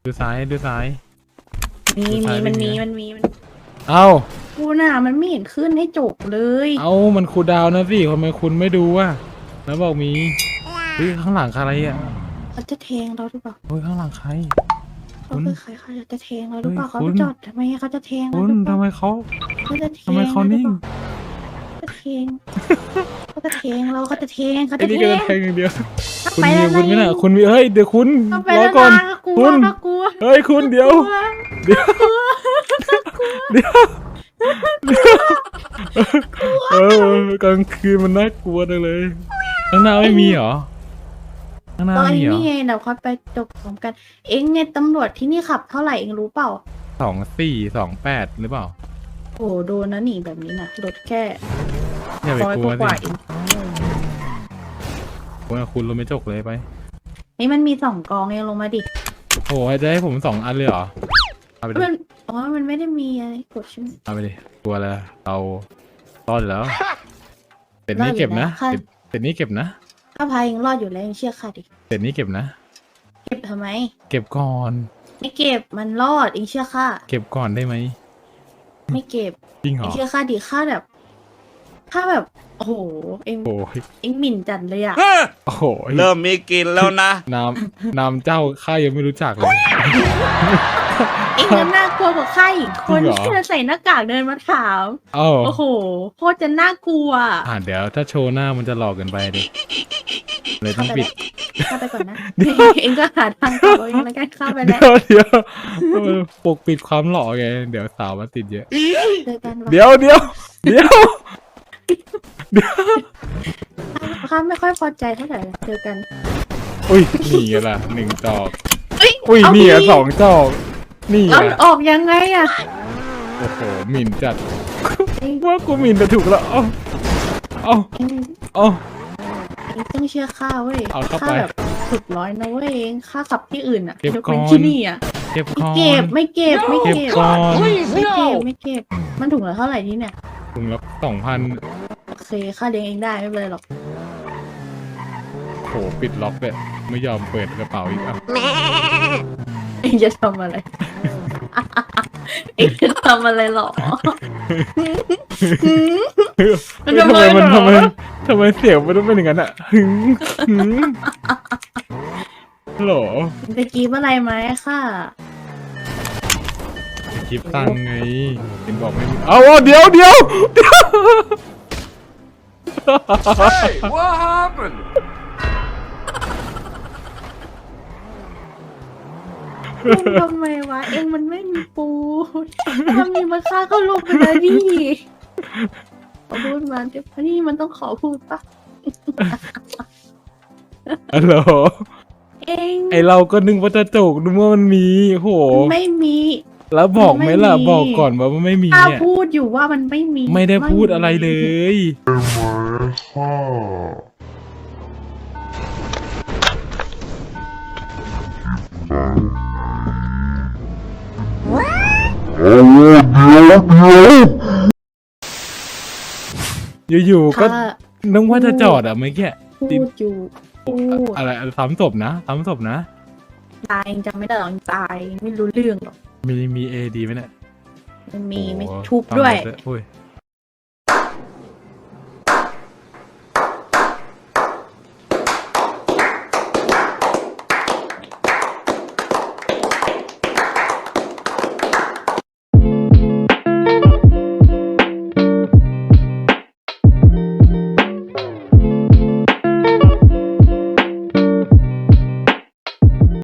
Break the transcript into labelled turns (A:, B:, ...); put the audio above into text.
A: ดูซ้ายดูซ้าย
B: มันมี
A: เอ้า
B: กูน่ะมันไม่เห็นขึ้นให้จบเลย
A: เอ้ามันคูลดาวน์นะสิทำไมคุณไม่ดูวะแล้วบอกมีเฮ้ยข้างหลังใครอ่ะ
B: เขาจะแทงเราหรือเปล่า
A: เฮ้ยข้างหลังใคร
B: เขาคือใครเขาจะแทงเราหรือเปล่าเขาจอดทำไมเขาจะแทงเรา
A: คุณ
B: หรือเป
A: ทำ
B: ล่า
A: ไมเขา
B: เขาจะแทง
A: ทำไมเขานิ่ง
B: เขาจะแทงเขาจะแทงเราเขาจะแทงเขา
A: ไอ้
B: จะ
A: นี่
B: แท
A: ก็จะ
B: ง
A: แทงอย่างเดียวคุณ
B: ไป
A: มี
B: แล้ว
A: คุณไม่น่ะ
B: ไง
A: คุณมีเฮ้ยเดี๋ยวคุณ
B: เอาไป
A: รอ
B: แล้ว
A: ก่อน
B: นะกลัว
A: คุณ
B: กลัว
A: เฮ้ยคุณเดี๋ยวเดี๋ยวเดี๋ยวกลางคืนมันน่ากลัวจังเลยข้างหน้าไม่มีเหรอข้างหน้า
B: ตอน
A: มีเหรอ
B: นี้ไงเดี๋ยวค่อยไปจบพร้อมกัน เอ็งเนี่ยตำรวจที่นี่ขับเท่าไหร่เอ็งรู้เปล่า
A: 2428หรือเปล่า
B: โอ้โดนนะหนีแบบนี้นะรถแค่
A: อย่าไป
B: ร้อย
A: กลัว
B: กว่า
A: สิ
B: เอง
A: คุณรถไม่จกเลยไป
B: นี่มันมี2 กองเองลงมาดิ
A: โอ้ยจะให้ผม2 อันเลยเหรอเอาไปดิ
B: มันอ๋อมันไม่ได้มีอะไรกดใช่ไหม
A: เอาไปดิกลัวแล้วเรารอดแล้วเสร็จนี้เก็บนะ
B: ค่ะ
A: เสร็จนี้เก็บนะ
B: ถ้าพายยังรอดอยู่แล้วยังเชื่อค่ะดิ
A: เสร็จนี้เก็บนะ
B: เก็บทำไม
A: เก็บก่อน
B: ไม่เก็บมันรอดเองเชื่อค่ะ
A: เก็บก่อนได้ไหม
B: ไม่เก็บ
A: จริงเหร
B: เอง
A: อ
B: เชื่อค่ะดิค่าแบบค่าแบบโอ้โหเอง
A: โอ้ย
B: เองหมิ่นจัดเลยอะ
A: โอ้โห
C: เริ่มมีกลินแล้วนะ
A: นามเจ้าข้ายังไม่รู้จักเลย
B: เองยังน่ากลัวกว่าข้าอีกคน
A: จริงเหรอ
B: ที่จะใส่หน้ากากเดินมาถาม
A: เอ้า
B: โอ้โหโคตรจะน่ากลัว
A: เดี๋ยวถ้าโชว์หน้ามันจะหลอกเกินไปดิเลยต้องปิด
B: เข้าไปก่อนนะ เองก็หาทางกลับเอาเองแล้วกันเข้าไปแล้ว
A: เดี๋ยวปกปิดความหล่อไงเดี๋ยวสาวมาติดเยอะ
B: เจอกันวะ
A: เดี๋ยว
B: ข้าไม่ค่อยพอใจเท่าไหร่เจอกัน
A: อุ้ยนี่ไงล่ะ1 จอก
B: เอ้ย
A: อุ้ย
B: เอา
A: นี่อ่ะ
B: ดิ
A: 2 จอก นี่
B: เอา
A: อ่ะ
B: ออกยังไงอะ
A: โอ้โหหมิ่นจัดว่ากูหมิ่นแต่ถูกแล้วเอ้า
B: เอง
A: เอ้า
B: เองต้องเชื่อข้าเว้ย
A: เอาเข้าไป
B: ข้าแบบสุดร้อยนะเว้ยเองข้าขับที่อื่นอะ
A: เก็บ
B: ยกเว้น
A: ก่อน
B: ที่นี่อะ
A: เก็บก่อน
B: ไม่เก็บ
A: เก็บก่อน
B: ไม่เก็บมันถุงละเท่าไหร่นี่เนี่ย
A: ถุงละ2,000
B: โอเคข้าเลี้ยงเองได้ไม่เป็นไรหรอก
A: โหปิดล็อกเลยไม่ยอมเปิดกระเป๋าอีกอ่ะ
B: เองจะทำอะไร เองจะทำอะไรหรอ มันทำไมเหรอ
A: ทำไมเสียงมันต้องเป็นอย่างนั้นอ่ะหึงหรอ
B: จะกรีบอะไรไหมค่ะ
A: คลิปตังไงเห็นบอกไม่มีเอาเดี๋ยว
C: Hey what happened
B: ทำไมวะ เองมันไม่มีปูถ้ามีมันฆ่าก็ลงไปแล้วดิขอพูดมาเดี๋ยวนี่มันต้องขอพูดปะ
A: ฮัลโหล
B: เอง
A: ไอเราก็นึกว่าจะจกนึกว่ามันมีโห
B: ไม่มี
A: แล้วบอกไหมล่ะ
B: ไม่มี
A: บอกก่อนว่ามันไม่มี
B: ข้า
A: เนี่ย
B: พูดอยู่ว่ามันไม่มี
A: ไม่ได้พูดอะไรเลย อยู่ๆก็
B: ข้า
A: นึกว่าจะจอดอ่ะเมื่อกี้
B: พูดอยู่พูด
A: อะไรซ้ำศพนะ
B: ตายเองจำไม่ได้หรอกตายไม่รู้เรื่องหรอก
A: มีเอดีไหมเนี่ย
B: มันมีไม่
A: โอ้
B: ทุบด้วย
A: ฟังหมโอ้ย